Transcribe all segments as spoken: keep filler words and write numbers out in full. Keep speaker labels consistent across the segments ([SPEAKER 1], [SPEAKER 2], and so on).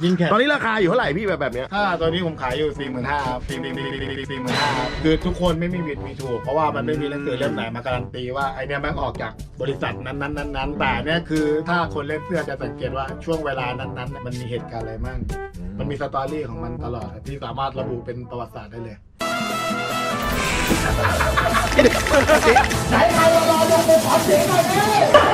[SPEAKER 1] ยิงแขน
[SPEAKER 2] ตอนนี้ราคาอยู่เท่าไหร่พี่แบบแบบเนี้ย
[SPEAKER 1] ถ้าตัวนี้ผมขายอยู่สี่หมื่นห้าครับสี่สี่สี่สี่หมื่นห้าครับคือทุกคนไม่มีผิดมีถูกเพราะว่ามันไม่มีหนังสือเล่มไหนมาการันตีว่าไอเนี้ยแม่งออกจากบริษัทนั้นนั้นนั้นนั้นแต่เนี้ยคือถ้าคนเล่นเสื้อจะสังเกตว่าช่วงเวลานั้นนั้นมันมีเหตุการณ์อะไรมั่งมันมีสตอรี่ของมันตลอดที่สามารถระบุเป็นประวัติศาสตร์ได้เลยไหนใครรอดูเป็นขอเสียงหน่อยดิ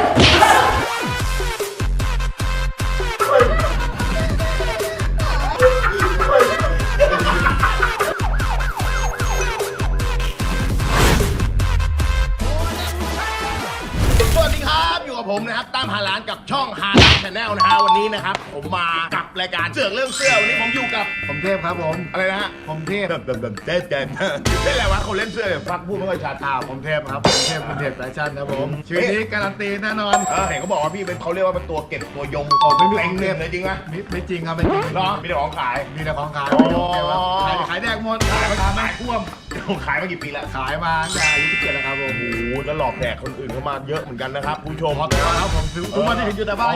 [SPEAKER 2] ผมนะครับตามหาร้านกับช่องฮาร้านชาแนลนะฮะวันนี้นะครับผมมากับรายการเสือกเรื่องเสื้อวันนี้ผมอยู่กับ
[SPEAKER 1] ผมเทพครับผม
[SPEAKER 2] อะไรนะฮะ
[SPEAKER 1] ผมเทพ
[SPEAKER 2] แบบแบบแบบเจ๊เจ๊เจ๊อะไรวะคนเล่นเสื้อแบบฟักพูดไม่ค่อยชัด
[SPEAKER 1] อ่าผมเทพครับผมเทพเป็นเทพสายชันครับผมชีวิตนี้การันตีแน่นอน
[SPEAKER 2] เออเห็นเขาบอกว่าพี่เป็นเขาเรียกว่าเป็นตัวเก็บตัวยง
[SPEAKER 1] โอ้ไม่มี
[SPEAKER 2] เต็งเงินเลยจริงไหม
[SPEAKER 1] ไม่ไม่จริงครับไม่จริง
[SPEAKER 2] เหรอมีแต่ของขาย
[SPEAKER 1] มีแต่ของขาย
[SPEAKER 2] อ๋อ
[SPEAKER 1] ขายขายแดกหมด
[SPEAKER 2] ขายมา
[SPEAKER 1] ขาย
[SPEAKER 2] ขายท่วมขายมากี่ปีแล้ว
[SPEAKER 1] ขายมาตั้งแต่อายุสิบเจ็ดแล้วครับผม
[SPEAKER 2] โอ้โหแล้วหลอกแดกคนอื่นเข้ามาเยอะเหมือนกันนะครับคุณผู้ชม
[SPEAKER 1] ครับผมซื้อทุกวันที่เห็นอยู่แต่บ้าน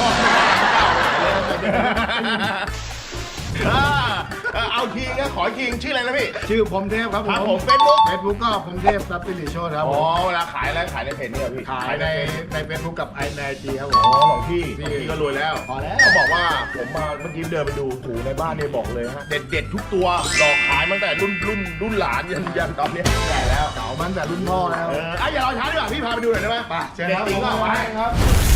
[SPEAKER 2] เอาทีนะขอทีชื่ออะไรนะพี่
[SPEAKER 1] ชื่อผมเทพครับ
[SPEAKER 2] ครับ
[SPEAKER 1] ผ
[SPEAKER 2] ผม มเฟซบุ๊ก
[SPEAKER 1] เฟซบุ๊กก็ผมเทพซับซิลิโชตครับ
[SPEAKER 2] อ๋
[SPEAKER 1] ผ
[SPEAKER 2] อ
[SPEAKER 1] ม
[SPEAKER 2] เวลาขายอะไรขายในเพจนี่เหรอพี่
[SPEAKER 1] ขายในในเฟซบุ๊กกับไอในไอจีครับผ
[SPEAKER 2] อ๋
[SPEAKER 1] ม
[SPEAKER 2] อของพี่พี่ก็รวยแล้ว
[SPEAKER 1] พอแล้ว
[SPEAKER 2] เขาบอกว่าผมมาเมื่อกี้เดินไปดูถูในบ้านเนี่ยบอกเลยฮะเด็ดเด็ดทุกตัวหลอกขายตั้งแต่รุ่นรุ่นรุ่นหลานยันยันตอนนี้ใหญ่แล้ว
[SPEAKER 1] เก่ามันแต่รุ่นพ่อแล้ว
[SPEAKER 2] เอออ่ะอย่ารอช้าดีกว่าพี่พาไปดูหน่อยได้ไหม
[SPEAKER 1] ไปเชิญ
[SPEAKER 2] เด็ด
[SPEAKER 1] ครับ
[SPEAKER 2] จริงก็เอาไว้
[SPEAKER 1] ครับ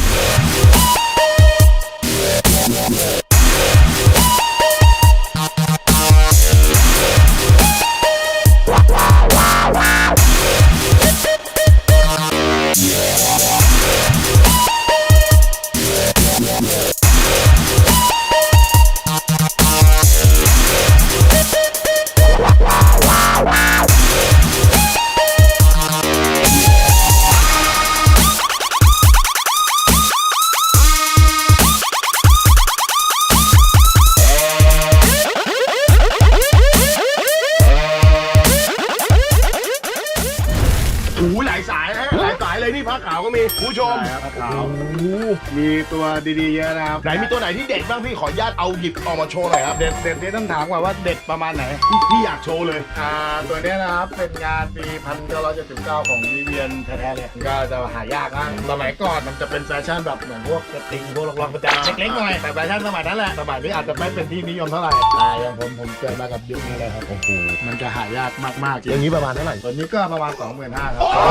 [SPEAKER 2] โอ้โหหลายสายนะหลายสายเลยนี่ผ้าขาวก็มีคุณผู้ชม
[SPEAKER 1] ใช่ครับผ้าขาว
[SPEAKER 2] โอ้โห
[SPEAKER 1] มีตัวดีๆเยอะนะครับ
[SPEAKER 2] ไหนมีตัวไหนที่เด็ดบ้างพี่ขออนุญาตเอาหยิบออกมาโชว์หน่อยครับ
[SPEAKER 1] เด็ดเด็ดนี่ต้องถามก่อนว่าเด็ดประมาณไหน
[SPEAKER 2] พี่พี่อยากโชว์เลย
[SPEAKER 1] อ่าตัวเนี้ยนะครับเป็นงานปีพันเก้าร้อยเจ็ดสิบเก้าของวิเวียนแท้ๆเลยก็จะหายากนะสมัยก่อนมันจะเป็นแฟชั่นแบบเหมือนพวกกระติงพวกล็อกๆประจำเล็กๆหน่อยแต่แฟชั่นสมัยนั้นแหละสมัยนี้อาจจะไม่เป็นที่นิยมเท่าไหร่แต่อย่างผมผมเกิดมากับยุคนี้เลยครับโอ้โหมันจะหายากมากๆจริ
[SPEAKER 2] อย่าง งนี้ประมาณเท่าไหร่
[SPEAKER 1] ตัวนี้ก็ประมาณ สองหมื่นห้าพัน ครับ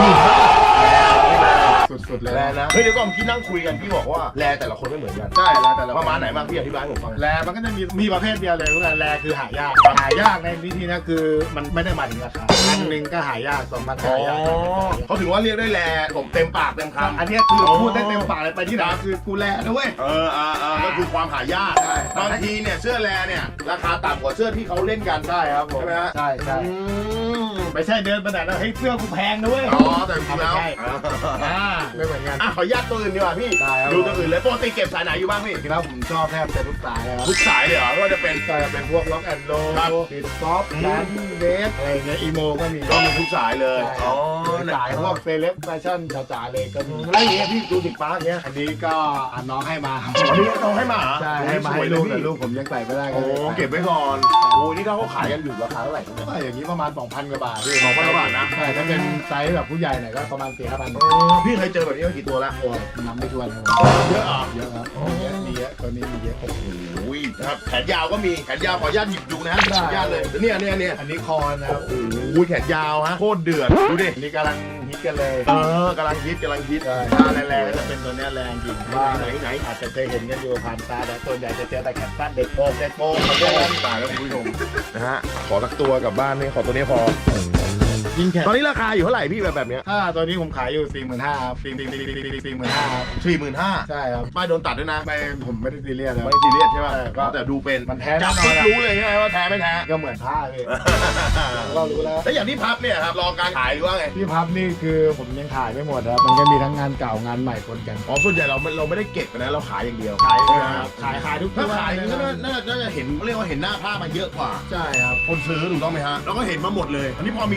[SPEAKER 1] สุดๆเลย
[SPEAKER 2] แลนะเฮ้ยเดี๋ยวก่อนที่นั่งคุยกันพี่บอกว่าแลแต่ละคนไม่เหมือนกัน
[SPEAKER 1] ใช่แล้วแต่ละ
[SPEAKER 2] ประมาณไหนบ้างพี่อธิบายให้ผมฟัง
[SPEAKER 1] แลมันก็จะมีมีประเภทเดียวเลยก็คือแลคือหายากหายากในวิธีนะคือมันไม่ได้หมายถึงราคาพันหนึ่งก็หายากสองพันก็
[SPEAKER 2] อ๋อ
[SPEAKER 1] หายาก
[SPEAKER 2] เขาถือว่าเรียกได้แลผมเต็มปากเต็มคำ
[SPEAKER 1] อันเนี้ยคือพูดได้เต็มปากเลยไปที่ไหนคือกูแลนะเว้ย
[SPEAKER 2] เอออ่าอ่าก็คือความหายาก
[SPEAKER 1] ใช่
[SPEAKER 2] บางทีเนี่ยเสื้อแลเนี่ยราคาต่ำกว่าเสื้อที่เขาเล่นกัน
[SPEAKER 1] ใช่ครับผม
[SPEAKER 2] ใช่ไหมฮะ
[SPEAKER 1] ใช่ใช่
[SPEAKER 2] อืม
[SPEAKER 1] ไม่ใช่เดินไปไหนแล้วเฮ้ยเสื้อกูแพงนะเว้ย
[SPEAKER 2] อ๋อแต่จริงๆแล้ว
[SPEAKER 1] ไม่ใช่ อ่าไม่เหมือนกัน
[SPEAKER 2] อ่ะขออนุญาตตัวอื่นดีกว่าพี่
[SPEAKER 1] ได้ครับ
[SPEAKER 2] ดูตัวอื่นเลยปกติเก็บสายไหนอยู่บ้างพี่
[SPEAKER 1] จริงๆแล้วผมชอบแทบจะทุกสายเลยครับ
[SPEAKER 2] ทุกสายเลยเหรอไม่ว่าจะเป็น
[SPEAKER 1] ก็จะเป็นพวกล็อกแอนด์โร
[SPEAKER 2] ครับ
[SPEAKER 1] ปิดซอฟต์แลนด์เดสอะไรเงี้ยอีโมก็มี
[SPEAKER 2] ก็มีทุกสายเลย
[SPEAKER 1] อ๋อสายพวกเซเลบแฟชั่นจ๋าๆเลยก็มีแล้วอย่างเงี้ยพี่ดูดิกป้าเงี้ยอันนี้ก็อ่ะน้องให้มาครับ
[SPEAKER 2] อันนี้น้องให้มาเหรอ
[SPEAKER 1] ใช่ให้มา
[SPEAKER 2] สว
[SPEAKER 1] ให้
[SPEAKER 2] ยเล
[SPEAKER 1] ลู
[SPEAKER 2] ย
[SPEAKER 1] กแต่
[SPEAKER 2] พี่
[SPEAKER 1] ลูกผมยังใส่ไม่ได้
[SPEAKER 2] โอ้
[SPEAKER 1] ลย
[SPEAKER 2] เก็บไว้ก่อนโอ้นี่ถ้าเขาขายกันอยู่ราคาเท่าไหร่เนี่ย
[SPEAKER 1] ก็อย่างนี้ประมาณ สองพัน กว่าบาทพี่
[SPEAKER 2] สองพันกว่าบาทนะ
[SPEAKER 1] ใช่ถ้าเป็นไซส์แบบผู้ใหญ่หน่อยก็ประมาณ สี่ห้าพัน
[SPEAKER 2] เออพี่เคยเจอแบบนี้มากี่ตัวแล้ว
[SPEAKER 1] โอ้ยนับไม่ถ้วนครับ
[SPEAKER 2] เยอะเหรอ
[SPEAKER 1] เยอะครับมีเยอะมีเยอะตัวนี้มีเยอะ
[SPEAKER 2] โอ้ยนะครับแขนยาวก็มีแขนยาวขออนุญาตหยิบดูนะขออนุญาตเลยเนี่ยเนี่ยเนี่ย
[SPEAKER 1] อันนี้คอนะครับ
[SPEAKER 2] โอ้ยแขนยาวฮะโคตรเดือดดูดิ
[SPEAKER 1] อันนี้กำลังฮิตกันเลย
[SPEAKER 2] เออกำลังฮิตกำลังฮิต
[SPEAKER 1] ใช่ถ้าแรงๆก็จะเป็นตัวเนี้ยแรงจริงว่า
[SPEAKER 2] ไหนไหน
[SPEAKER 1] อาจจะเคยเห็นกันอยู่ผ่านตาแต่ตัวใหญ่จะเจอแต่แขนสั้นเด็กโป่งเด็กโป่งเขาเรียกกัน
[SPEAKER 2] ตายแล้วคุณผู้ชมนะฮะขอสักตัวกลับบ้านนี่ขอตัวนี้พอ
[SPEAKER 1] ยิงแขน
[SPEAKER 2] ตอนนี้ราคาอยู่เท่าไหร่พี่แบบแบบเนี้ย
[SPEAKER 1] ถ้าตัวนี้ผมขายอยู่ สี่หมื่นห้าพัน ครับสี่สี่สี่สี่หมื่นห้าพัน
[SPEAKER 2] สี่หมื่นห้า
[SPEAKER 1] ใช่ครับ
[SPEAKER 2] ป้ายโดนตัดด้วยนะ
[SPEAKER 1] ไม่ผมไม่ได้ซีเรียสเลย
[SPEAKER 2] ไม่ซีเรียสใช่ป่ะ
[SPEAKER 1] ใช่ก็
[SPEAKER 2] แต่ดูเป็น
[SPEAKER 1] มันแท้
[SPEAKER 2] จับ
[SPEAKER 1] แน่นอนอะ
[SPEAKER 2] ปุ๊บรู้เลยใช่ไหมว่าแท้ไม่แท้
[SPEAKER 1] ก็เหมือนผ้าเลยเรารู้แล้ว
[SPEAKER 2] แล้วอย่างที่พับเนี่ยครับรอการขายหรือว่าไง
[SPEAKER 1] ที่พับนี่คือผมยังขายไม่หมดครับมันก็มีทั้งงานเก่างานใหม่ปนกัน
[SPEAKER 2] อ๋อส่วนใหญ่เราไม่เราไม่ได้เก็บนะเราขายอย่างเดียว
[SPEAKER 1] ขาย
[SPEAKER 2] ใช่ไหม
[SPEAKER 1] ค
[SPEAKER 2] ค
[SPEAKER 1] รั
[SPEAKER 2] รั
[SPEAKER 1] บบ ขายขายทุก
[SPEAKER 2] ถ้า
[SPEAKER 1] ตัว
[SPEAKER 2] ขาย
[SPEAKER 1] เล
[SPEAKER 2] ก็
[SPEAKER 1] นะ
[SPEAKER 2] น่าน่าจะเห็นเรียกว่าเห็นหน้าผ้ามาเยอะกว่า
[SPEAKER 1] ใช่ครับ
[SPEAKER 2] คนซื้อถูกต้องไหมฮะแล้วก็เห็นมาหมดเลย อันนี้พอมีความเขาเรียก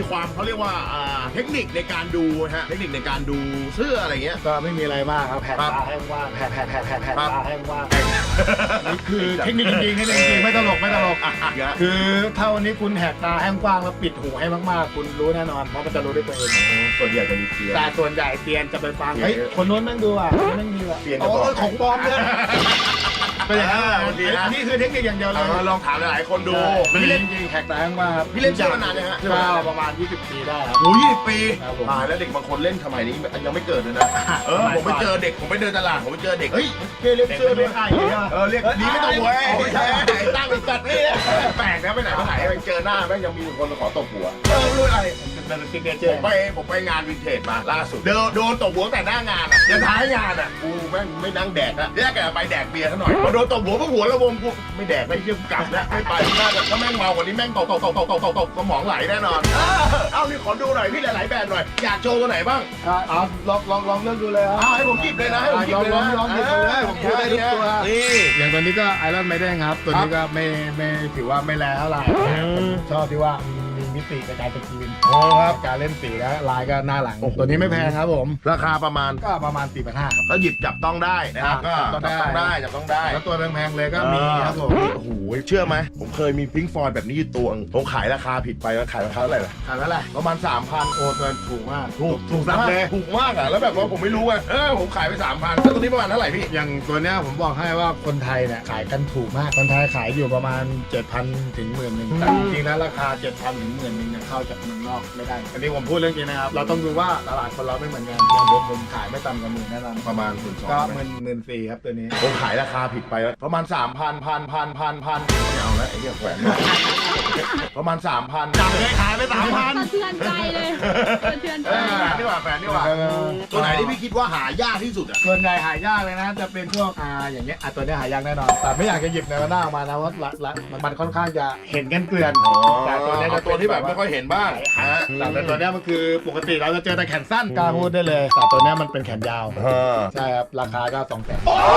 [SPEAKER 2] รียกว่าอ่าเทคนิคในการดูฮะเทคนิคในการดูเสื้ออะไรเงี้ย
[SPEAKER 1] ก็ไม่มีอะไรมากครับแผ่น
[SPEAKER 2] ครับ
[SPEAKER 1] ตาให้ว่างแผ่นแผ่นแผ่นแผ่นแผ่น
[SPEAKER 2] ครับ
[SPEAKER 1] ตาให้ว่างนี่คือเทคนิคจริงๆเทคนิคจริงๆไม่ตลกไม่ตลก
[SPEAKER 2] อ่ะเยอะ
[SPEAKER 1] คือถ้าวันนี้คุณแหกตาให้กว้างแล้วปิดหูให้มากๆ คุณรู้แน่นอนเพราะมันจะรู้ด้วยตัวเอง
[SPEAKER 2] ส่วนใหญ่จะมีเสียง
[SPEAKER 1] แต่ส่วนใหญ่เตียนจะไปฟังเฮ้ยคนนู้นนั่งดูอ่ะคนนี้นั่งดูอ่ะ
[SPEAKER 2] เตียนจะ
[SPEAKER 1] โอ้
[SPEAKER 2] บอก
[SPEAKER 1] ยของปลอมเนี่ยเป็นอย่างนั้น
[SPEAKER 2] อ่าดีนะ
[SPEAKER 1] อันนี้คือเทคนิคอย่างเดียวเล
[SPEAKER 2] เอย อลองถามหลายๆคนดู
[SPEAKER 1] พี่
[SPEAKER 2] พี่
[SPEAKER 1] เล่
[SPEAKER 2] เล่
[SPEAKER 1] น
[SPEAKER 2] น
[SPEAKER 1] จริงแหกตาให้กว้างครับ
[SPEAKER 2] พี่เล่นเสื้อมานานยังฮะ
[SPEAKER 1] ก็ประมาณยี่สิบปีได้ครับ
[SPEAKER 2] โอ้ยยี่สิบปี
[SPEAKER 1] ครับผม
[SPEAKER 2] ตายแล้วเด็กบางคนเล่นสมัยนี้ยังไม่เกิดเลยนะเออผมไปเจอเด็กผมไปเดินตลาดผมไปเจอเด็กเฮ้ยเรียกเสื้อด้วย
[SPEAKER 1] ไอ้เนี่ย
[SPEAKER 2] เออเรียกดีไม่ต้องหัวไม่ใช่ตั้งเป็นสัตว์นี่แปลกนะไปไหนมาไหนไปเจอหน้าแม่งยังมีคนมาขอตบหัวเออไม่รู้อะไร
[SPEAKER 1] มันเป็นซิกเนเจ
[SPEAKER 2] ผ
[SPEAKER 1] อ
[SPEAKER 2] ม
[SPEAKER 1] ร์
[SPEAKER 2] ไปผมไปงานวินเทจมาล่าสุดเดินโดนตบหัวแต่หน้างานอ่ะยันท้ายงานอ่ะกูแม่งไม่นั่งแดกอ่ะแยกกันไปแดกเบียร์ซะหน่อยพอโดนตบหัวพวกหัวระวงกูไม่แดกไม่เยี่ยมกลับแล้วไม่ไปน่าจะถ้าแม่งเมากว่านี้แม่งตกตกตกตกตกตกตกสมองไหลแน่นอนเออเอานี่ขอดูหน่อยพี่หลายๆแบรนด์หน่อยอยากโชว์ตัวไหนบ้าง
[SPEAKER 1] เอาลองลองลองเลือกดูเลยครับ
[SPEAKER 2] เอาให้ผมหยิบเลยนะให้ผมหยิบเลย
[SPEAKER 1] ลอง
[SPEAKER 2] นะ
[SPEAKER 1] ลองหยิบเลย
[SPEAKER 2] ผมพูดได้ทุกตัวนี่
[SPEAKER 1] อย่างตัวนี้ก็ไอรอนไมเดนครับ ตัวนี้ก็ไม่ไม่ถือว่าไม่แรงเท่าไหร่ชอบที่ว่ามีมิติในการสกรีน
[SPEAKER 2] โอ้ครับ
[SPEAKER 1] การเล่นสีและลายก็หน้าหลัง ตัวนี้ไม่แพงครับผม
[SPEAKER 2] ราคาประมาณ
[SPEAKER 1] ก็ประมาณสี่พันห้าครับ
[SPEAKER 2] ก็หยิบจับต้องได้นะครับก็
[SPEAKER 1] จั
[SPEAKER 2] จับบ
[SPEAKER 1] ต้องได้
[SPEAKER 2] ต้องได้จับต้องได้
[SPEAKER 1] แล้วตัวแพงๆเลยก็มีครับผม
[SPEAKER 2] โอ้โหเชื่อไหมผมเคยมีพิงฟอยแบบนี้อยู่ตัวนึงผมขายราคาผิดไปแล้วขายราคาเท่าไหร่ล่ะ
[SPEAKER 1] ขายเท่าไหร่
[SPEAKER 2] ประมาณ สามพัน
[SPEAKER 1] โอ้ตัวถูกมาก
[SPEAKER 2] ถูก
[SPEAKER 1] ถูกซับเลย
[SPEAKER 2] ถูกมากอ่ะแล้วแบบว่าผมไม่รู้ไงเออผมขายไป สามพันแล้วตัวนี้ประมาณเท่าไหร่พี่
[SPEAKER 1] อย่างตัวเนี้ยผมบอกให้ว่าคนไทยเนี่ยขายกันถูกมาก คนไทยขายอยู่ประมาณ เจ็ดพัน ถึงหมื่นหนึ่งแต่จริงๆแล้วราคา เจ็ดพัน ถึงหมื่นหนึ่งเนี่ยเข้าจากเมืองนอกไม่ได้ อันนี้ผมพูดเรื่องจริงนะครับ เราต้องดูว่าตลาดคนเราไม่เหมือนกันอย่างผมผมขายไม่ต่ำกว่าหมื่นแน่นอน
[SPEAKER 2] ประมาณหมื่นสอง
[SPEAKER 1] ก็หมื่นหมื่นสี่ครับตัวนี้
[SPEAKER 2] ผมขายราคาผิดไปแล้วประมาณ สามพันพันพันพันพันไม่เอาแล้วไอ้เหี้ยแขวนประมาณ สามพันจับเลยขายไป สามพัน
[SPEAKER 3] สะเทือนใจเลยสะเทือนใจ
[SPEAKER 2] แฟนดีกว่าแฟนดีกว่าตัวไหนที่พี่คิดว่าหายากที่สุดอ่ะ
[SPEAKER 1] ส่วนใหญ่หายากเลยนะ จะเป็นพวกอ่าอย่างเงี้ยอ่ะตัวเนี้ยหายากแน่นอน แต่ไม่อยากจะหยิบในหน้าออกมานะว่าละละมันค่อนข้างจะเห็นกันเกลื่อน แต่ตัวเนี้ย
[SPEAKER 2] เอา
[SPEAKER 1] จะ
[SPEAKER 2] ตัวที่แบบไม่ค่อยเห็นบ้าง
[SPEAKER 1] ฮะแต่ตัวเนี้ยมันคือปกติเราจะเจอแต่แขนสั้นกล้าพูดได้เลย แต่ตัวเนี้ยมันเป็นแขนยาว
[SPEAKER 2] เออ
[SPEAKER 1] ใช่ครับ ราคาก็สองแสน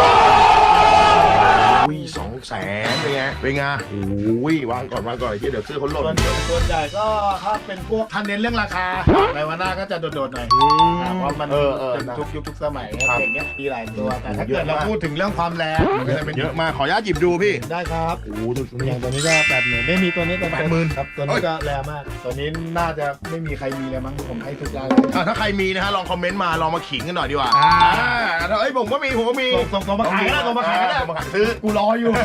[SPEAKER 2] อุ้ยสองแสนเป็นไงเป็นไงอุ้ยวางก่อนวางก่อนไอ้ที่เดี๋ยวซื้อเขาหล่
[SPEAKER 1] ส่วน
[SPEAKER 2] น
[SPEAKER 1] ส่วนใหญ่ก็ถ้าเป็นพวกท่านเน้นเรื่องราคาในวันหน้าก็จะโดดๆหน่อย
[SPEAKER 2] อืม
[SPEAKER 1] อ่าเพราะมัน
[SPEAKER 2] เออเออ
[SPEAKER 1] เป็นทุกยุคทุกสมัย
[SPEAKER 2] ครับ
[SPEAKER 1] อย่างเงี้ยมีหลายตัวแต่ถ้า
[SPEAKER 2] เย
[SPEAKER 1] เกิ
[SPEAKER 2] อะ
[SPEAKER 1] ดเรา
[SPEAKER 2] มาก
[SPEAKER 1] พูดถึงเรื่องความแรงมันก็จะเป็น
[SPEAKER 2] เยอะมากขออนุญาตหยิบดูพี่
[SPEAKER 1] ได้ครับ
[SPEAKER 2] โอ้โหดู
[SPEAKER 1] อย่างตัวนี้ก็แปดหมื่นไม่มีตัวนี้ตัว
[SPEAKER 2] แปดหมื่น
[SPEAKER 1] ครับตัวนี้ก็แรงมาก ตัวนี้น่าจะไม่มีใครมีเลยมั้งผมให้ทุกร้านเลย
[SPEAKER 2] อ่ะถ้าใครมีนะฮะลองคอมเมนต์มาลองมาขิงกันหน่อยดีกว่า
[SPEAKER 1] อ่า
[SPEAKER 2] ถ้าเอ้ยผมก็มีผมก็มี
[SPEAKER 1] ส่งส่งส่งมาขายก็ได้ส่งมาขายก็ได้
[SPEAKER 2] ส่งมาขายซื้อ
[SPEAKER 1] กูรออยู่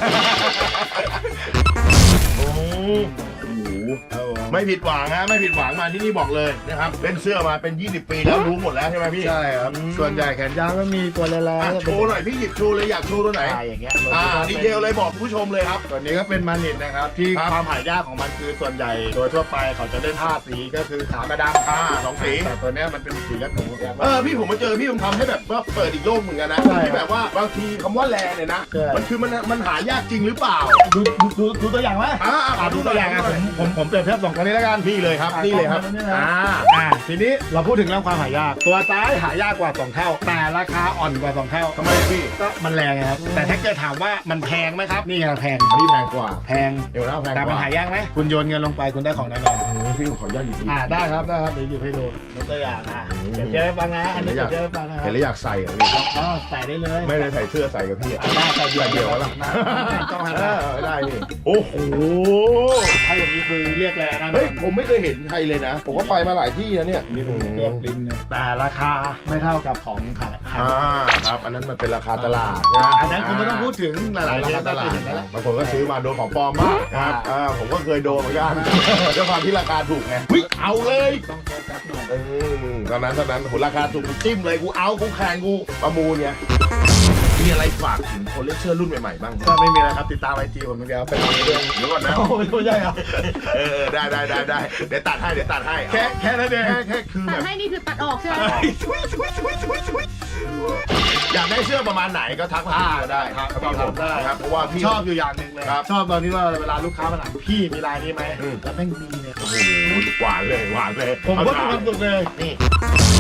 [SPEAKER 2] โอ้โหไม่ผิดหวังฮะไม่ผิดหวังมาที่นี่บอกเลยนะครับเล่นเสื้อมาเป็น ยี่สิบ ปีแล้วรู้หมดแล้วใช่ไหมพี่
[SPEAKER 1] ใช่ครับ
[SPEAKER 2] อืม
[SPEAKER 1] ส่วนใหญ่แขนยาวก็มีตัวแรง
[SPEAKER 2] อ่ะ
[SPEAKER 1] ๆ
[SPEAKER 2] โชว์หน่อยพี่หยิบโชว์เลยอยากโชว์ตัวไหน
[SPEAKER 1] อ่าอย่างเงี้ย
[SPEAKER 2] อ่าดีเทลเลยบอกผู้ชมเลยครับ
[SPEAKER 1] ตัวนี้ก็เป็นมานิดนะครับ ที่
[SPEAKER 2] ครับ
[SPEAKER 1] ความหายากของมันคือส่วนใหญ่โดยทั่วไปเขาจะเล่นห้าสีก็คือขาวกระดำ
[SPEAKER 2] อ่าสองสี
[SPEAKER 1] แต่ตัวเนี้ยมันเป็นสีกระถูแบบ
[SPEAKER 2] เออพี่ผมมาเจอพี่ผมทำให้แบบว่าเปิดอีกโลกเหมือนกันนะ
[SPEAKER 1] ใช่
[SPEAKER 2] ที่แบบว่าบางทีคำว่าแลเนี่ยนะ
[SPEAKER 1] ใช่
[SPEAKER 2] มันคือมันมันหายากจริงหรือเปล่า
[SPEAKER 1] ดูดูดูดูตัวอย่างไหม
[SPEAKER 2] อ่า
[SPEAKER 1] อ่าดูตัวอย่างอ่ะผมผมผมเปรียบเทียบสองตัวนี้แล้วกัน
[SPEAKER 2] นี่เลยครับนี่เลยครับ
[SPEAKER 1] อ่า
[SPEAKER 2] อ่า
[SPEAKER 1] อ่าทีนี้เราพูดถึงเรื่องความหายาก ตัวซ้ายหายากกว่าสองเท่า แต่ราคาอ่อนกว่าสองเท่า
[SPEAKER 2] ทำไมพี่
[SPEAKER 1] ก็มันแรงไงครับ แต่ถ้าเกิดถามว่ามันแพงไหมครับ นี่ไงแพง
[SPEAKER 2] อันนี้แพงกว่า
[SPEAKER 1] แพง
[SPEAKER 2] เดี๋ยวนะแพง
[SPEAKER 1] แต่
[SPEAKER 2] ก
[SPEAKER 1] มัน
[SPEAKER 2] ว่า
[SPEAKER 1] หายากไหมคุณโยนเงินลงไปคุณได้ของแน่นอน
[SPEAKER 2] โอ้โหพี่ผมขออนุญาตหยิบ
[SPEAKER 1] อ่าได้ครับได้ครับเดี๋ยวหยิบให้ดูยกตัวอย่างอ่ะเดี๋ยวเจ๊ให้ฟังนะอันนี้เดี๋ยวเจ๊ให้ฟังนะครั
[SPEAKER 2] เห็
[SPEAKER 1] บ
[SPEAKER 2] นแล้วอยากใส่อ่ะพี่
[SPEAKER 1] อ๋อใส่ได้เลย
[SPEAKER 2] ไม่ได้ใส่เสื้อใส่กับพี่อ่ะ
[SPEAKER 1] ได้ใส่เดียว
[SPEAKER 2] ใส่เดี่ยวแล้ว
[SPEAKER 1] นะต้องหัน
[SPEAKER 2] เอ
[SPEAKER 1] หน้า
[SPEAKER 2] อได้พี่โอ้โห
[SPEAKER 1] ถ้าอย่างนี้คือเรียกแรงนะ
[SPEAKER 2] เฮ้ยผมไม่เคยเห็นใครเลยนะ ผมก็ไปมาหลายที่แล้วเนี่ย
[SPEAKER 1] นี่ผมเรียกลิ้นเนี่ยแต่ราคาไม่เท่ากับของขายขาย
[SPEAKER 2] อ่าครับอันนั้นมันเป็นราคาตลาด
[SPEAKER 1] อันนั้นคุณไม่ต้องพูดถึงหลายๆ
[SPEAKER 2] รา
[SPEAKER 1] ที่
[SPEAKER 2] คาตลาด
[SPEAKER 1] เห็นแล้วแหละ
[SPEAKER 2] บางคนก็ซื้อมาโดนของปลอมบ้างครับอ่าผมก็เคยโดนเหมือนกันด้วยความที่ราคาถูกไงเฮ้ยเอาเลย
[SPEAKER 1] ต้องโฟกัสหน่อย
[SPEAKER 2] เออตอนนั้นตอนนั้นโหราคาถูกกูจิ้มเลยกูเอากูแข่งกูประมูลเนี่ยมีอะไรฝากถึงคนเล่นเสื้อรุ่นใหม่ๆบ้าง
[SPEAKER 1] ก็ไม่มีอะไรครับติดตามไอจีผมอย่างเดียวไปทำเรื่อง
[SPEAKER 2] เดี๋ยวก่อนนะ
[SPEAKER 1] โอ้ไม่ใช่ครับ
[SPEAKER 2] เออได้ได้ได้ได้เดี๋ยวตัดให้เดี๋ยวตัดให้
[SPEAKER 1] แค่แค่นั้นเอง
[SPEAKER 2] แค่แค่คือ
[SPEAKER 3] ตั
[SPEAKER 2] แบ
[SPEAKER 3] ด
[SPEAKER 2] บ
[SPEAKER 3] ให้นี่คือตัดออกใช่ไหม
[SPEAKER 2] อยากได้เสื้อประมาณไหนก็ทักมาก็ได้ครับพี่ผมได้ครับเพราะว่าพี่
[SPEAKER 1] ชอบอยู่อย่างหนึ่งเลย
[SPEAKER 2] ครับ
[SPEAKER 1] ชอบตอนที่ว่าเวลาลูกค้ามาถามพี่มีลายนี้ไหม
[SPEAKER 2] อืม
[SPEAKER 1] แล้วแม่งมีเนี่ย
[SPEAKER 2] โอ้โหหวานเลยหวานเลย
[SPEAKER 1] ผมก็มีความสุขเลย
[SPEAKER 2] นี่
[SPEAKER 1] ส่วนให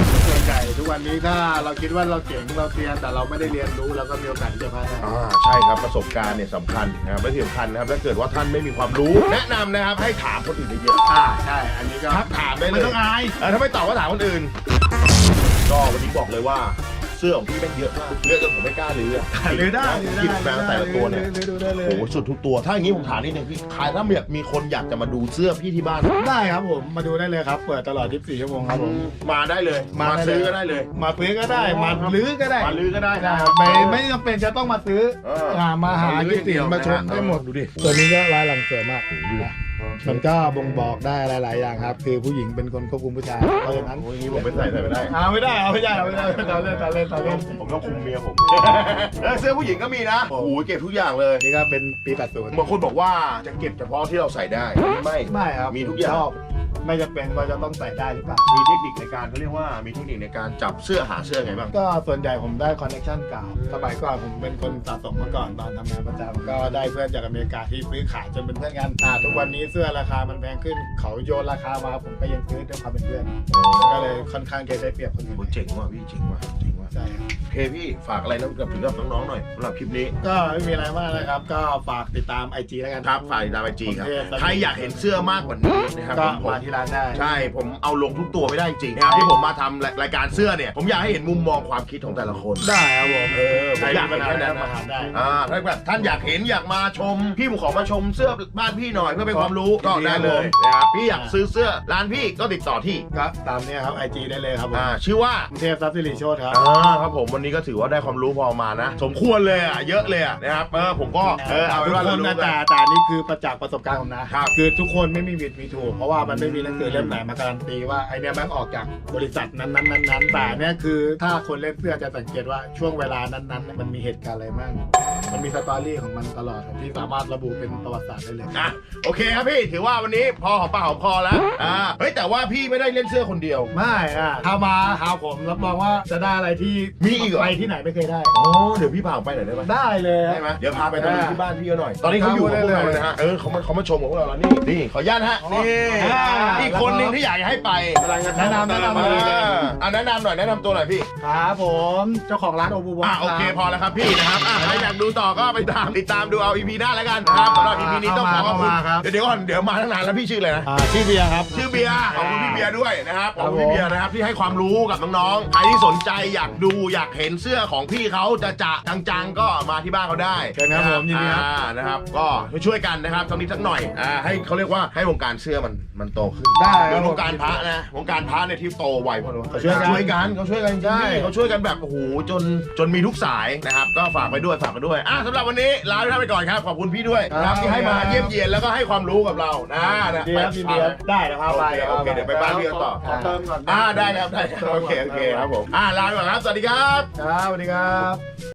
[SPEAKER 1] ใหญ่ทุกวันนี้ถ้าเราคิดว่าเราเก่งเราเรียนแต่เราไม่ได้เรียนรู้เราก็มีโอกาสที่จะพลาดได้
[SPEAKER 2] อ่าใช่ครับประสบการณ์เนี่ยสำคัญนะครับและที่สำคัญนะครับถ้าเกิดว่าท่านไม่มีความรู้แนะนำนะครับให้ถามคนอื่นเยอะ
[SPEAKER 1] อ่าใช่อันนี้ก็
[SPEAKER 2] ๆครับถามได้เลย
[SPEAKER 1] ไม่ต้องอาย
[SPEAKER 2] เออถ้าไม่ตอบก็ถามคนอื่น ก็วันนี้บอกเลยว่าเสื้อของพี่แม่งเยอะมากเยอะจนผมไม่กล้าลื้อ
[SPEAKER 1] หรือได้
[SPEAKER 2] หยิบมาแต่ละตัวเนี่ย
[SPEAKER 1] หรือดูได้เลย
[SPEAKER 2] โอ้โหสุดทุกตัว ถ้าอย่างนี้ผมถามนิดนึงพี่ใครถ้าแบบมีคนอยากจะมาดูเสื้อพี่ที่บ้าน
[SPEAKER 1] ได้ครับผมมาดูได้เลยครับเปิดตลอดยี่สิบสี่ชั่วโมงครับผม
[SPEAKER 2] มาได้เลย มา
[SPEAKER 1] ได้
[SPEAKER 2] ซื้อก็ได้เลย
[SPEAKER 1] มาซื้อก็ได้มาลื้อก็ได้
[SPEAKER 2] มาลื้อก็ได้
[SPEAKER 1] ได้
[SPEAKER 2] นะ
[SPEAKER 1] ค
[SPEAKER 2] ค
[SPEAKER 1] รั
[SPEAKER 2] รั
[SPEAKER 1] บบ ไม่ไม่จำเป็นจะต้องมาซื้อ
[SPEAKER 2] เออ
[SPEAKER 1] หามาหา
[SPEAKER 2] มาลื้อ
[SPEAKER 1] ที่สิ
[SPEAKER 2] เดียว
[SPEAKER 1] มาชม
[SPEAKER 2] นะ
[SPEAKER 1] ได้หมด
[SPEAKER 2] ดูดิ
[SPEAKER 1] ตัวนี้ก็ลายหลังสวยมากนะมันก็บ่งบอกได้หลาย ๆ อย่างครับ คือผู้หญิงเป็นคนควบคุมผู้ชายเพราะฉะนั้น
[SPEAKER 2] โอ้ยอย่างนี้ผมไม่ใส่ใส่ไม่ได้
[SPEAKER 1] เอาไม่ได้เอาไม่ได้เอาไม่ได้ตอนเล่นตอนเล่นตอนเล่น
[SPEAKER 2] ผมต้องคุมเมียผม เออเสื้อผู้หญิงก็มีนะโอ้โหเก็บทุกอย่างเลย
[SPEAKER 1] นี่ก็เป็นปีแปดสิบบ
[SPEAKER 2] างคนบอกว่าจะเก็บเฉพาะที่เราใส่ได้ไม่
[SPEAKER 1] ไม่ครับ
[SPEAKER 2] มีทุกอย่าง
[SPEAKER 1] ชอบไม่จำเป็นว่าจะต้องใส่ได้หรือเปล่า
[SPEAKER 2] มีเทคนิคในการเขาเรียกว่ามีเทคนิคในการจับเสื้อหาเสื้อไงบ้าง
[SPEAKER 1] ก็ส่วนใหญ่ผมได้คอนเนคชั่นเก่าสมัยก่อนผมเป็นคนสะสมมาก่อนตอนทำงานประจำก็ได้เพื่อนจากอเมริกาที่ซื้อขายจนเป็นเพื่อนกันอ่าทุกวันนี้เสื้อราคามันแพงขึ้น เขาโยนราคามาผมก็ยังซื้อด้วยความเป็นเพื่อน ก็เลยค่อนข้างจะได้เปรียบคนอื่น
[SPEAKER 2] โอ้เจ๋งว่ะพี่เจ๋งว่ะเจ๋งว่ะ
[SPEAKER 1] ใช่ครับ
[SPEAKER 2] โอเคพี่ฝากอะไรนะกับถึงกับน้องๆหน่อยสำหรับคลิปนี้
[SPEAKER 1] ก็ไม่มีอะไรมากนะครับ ก็ฝากติดตาม ไอ จี แล้วกัน
[SPEAKER 2] ครับฝากติดตามไอจีครับ
[SPEAKER 1] ผมเทพ
[SPEAKER 2] ใครอยากเห็นเสื้อมากกว่านี้นะครับ
[SPEAKER 1] ก็
[SPEAKER 2] ผม
[SPEAKER 1] มาที่ร้านได้
[SPEAKER 2] ใช่ผมเอาลงทุกตัวไม่ได้จริงนะครับที่ผมมาทำรายการเสื้อเนี่ยผมอยากให้เห็นมุมมองความคิดของแต่ละคน
[SPEAKER 1] ได้ครับผม
[SPEAKER 2] เออผมอยาก
[SPEAKER 1] ใคร
[SPEAKER 2] เห็น
[SPEAKER 1] มีปัญหา
[SPEAKER 2] แค่นั้น
[SPEAKER 1] มา
[SPEAKER 2] นะ
[SPEAKER 1] ถามได้
[SPEAKER 2] อ่าถ้าแบบท่านอยากเห็นอยากมาชม พี่ผมขอมาชมเสื้อบ้านพี่หน่อยเพื่อเป็นความรู้ก็ได้เลยนะครับพี่อยากซื้อเสื้อร้านพี่ก็ติดต่อที่
[SPEAKER 1] ก็ตามเนี้ยครับ ไอ จี ได้เลยครับผม
[SPEAKER 2] อ่าชื่อว่า
[SPEAKER 1] กรุงเทพทรัพย์สิริโชติครับ
[SPEAKER 2] อ่าครับผมวันนี้ก็ถือว่าได้ความรู้พอมานะ สมควรเลยอ่ะเยอะเลยอ่ะนะครับเออผมก็เออเอาเป็
[SPEAKER 1] ทุ
[SPEAKER 2] น
[SPEAKER 1] ก
[SPEAKER 2] ว่า
[SPEAKER 1] ค
[SPEAKER 2] เรา
[SPEAKER 1] น
[SPEAKER 2] รู้
[SPEAKER 1] นะ
[SPEAKER 2] กั
[SPEAKER 1] แต่
[SPEAKER 2] น
[SPEAKER 1] แต่นี่คือประจักษ์ประสบการณ์ผมนะครับ คือทุกคนไม่มีผิดมีถูกเพราะว่ามันไม่มีหนังสือเล่มไหนมาการันตีว่าไอเนี้ยแม่งออกจากบริษัทนั้นนั้นนั้นนั้นแต่เนี้ยคือถ้าคนเล่นเสื้อจะสังเกตว่าช่วงเวลานั้นนั้นมันมีเหตุการณ์อะไรบ้างมันมีสตอรี่ของมันตลอดครับที่สามารถระบุเป็นประวัติศาสตร์ได้เลย
[SPEAKER 2] อ่ะโอเคครับพี่ถือว่าวันนี้พอหอมปากหอมคอแล้วอ่าเฮ้ยแต่ว่าพี่ไม่ได้เล่นเสื้อคนเดียว
[SPEAKER 1] ไม่อะถ้ามาหาผมรับรองว่าจะได้อะไรที่
[SPEAKER 2] มีอีกเหรอ
[SPEAKER 1] ไปที่ไหนไม่เคยได้
[SPEAKER 2] อ๋อเดี๋ยวพี่พาผมไปหน่อยได้ไหม
[SPEAKER 1] ได้เลย
[SPEAKER 2] ได้ไหมเดี๋ยวพาไปตอนนี้ที่บ้านพี่เขาหน่อย ตอนนี้เขาอยู่กับพวกเราเลยนะฮะเออเขามาเขามาชมกับพวกเราแล้วนี่นี่ขออนุญาตฮะนี่อีกคนหนึ่งที่อยากให้ไป
[SPEAKER 1] แนะนำแนะนำ
[SPEAKER 2] อ่
[SPEAKER 1] เลย
[SPEAKER 2] าอ่ะแนะนำหน่อยแนะนำตัวหน่อยพี่
[SPEAKER 1] ครับผมเจ้าของร้านโอบูบอ
[SPEAKER 2] อ่ะโอเคพอแล้วครับพี่นะครับอ่ะใครอยากดูต่อก็ไปตามติดตามดูเอา อี พี หน้าแล้วกันนะครับสำหรับ อี พี นี้ต้องขอขอบคุณเดี๋ยวเดี๋ยวก่อนเดี๋ยวมาตั้งนานแล้วพี่ชื่ออะไรนะ
[SPEAKER 1] อ่าชื่อเบียร์ครับ
[SPEAKER 2] ชื่อเบียร์ขอบคุณพี่เบียร์ด้วยนะครับขอบคุณ
[SPEAKER 1] ครับผม
[SPEAKER 2] พี่เบียร์นะครับที่ให้ความรู้กับน้องๆใครที่สนใจอยากดูอยากเห็นเสื้อของพี่เขาจะจะจังๆก็มาที่บ้านเขาได้
[SPEAKER 1] เชิญครับผมยินดีครับ
[SPEAKER 2] อ่านะครับก็ช่วยๆกันนะครับสักนิดสักหน่อยอ่าให้เขาเรียกว่าให้วงการเสื้อมันมันโตขึ้น
[SPEAKER 1] ได้ค
[SPEAKER 2] เหมื
[SPEAKER 1] รั
[SPEAKER 2] อบ น
[SPEAKER 1] ผ
[SPEAKER 2] ว
[SPEAKER 1] ม
[SPEAKER 2] งการพระนะวงการพระเนี่ยที่โตไวเพราะว่า
[SPEAKER 1] เขาช่วยกัน
[SPEAKER 2] ช่วยกันเขาช่วยกันจริง
[SPEAKER 1] ใช่
[SPEAKER 2] ๆเขาช่วยกันแบบโอ้โหจนจนมีทุกสายนะครับก็ฝากไปด้วยฝากไปด้วยอ่ะสำหรับวันนี้ลาทุกท่านไปก่อนครับขอบคุณพี่ด้วยนะครับที่ให้มาเยี่ยมเยียนแล้วก็ให้ความรู้กับเรานะนะ
[SPEAKER 1] ดีครับยินดีครับได้เดี๋ยวพาไป
[SPEAKER 2] โอเคโอเคเดี๋ยวไปบ้านพี่กันต่อ
[SPEAKER 1] ขอเติมก่อน
[SPEAKER 2] อ่าได้ครับได้ครับโอเคโอเคครับผมอ่าลาไปก่อนครับสวัสดีครับ
[SPEAKER 1] ครับสวัสดีครับ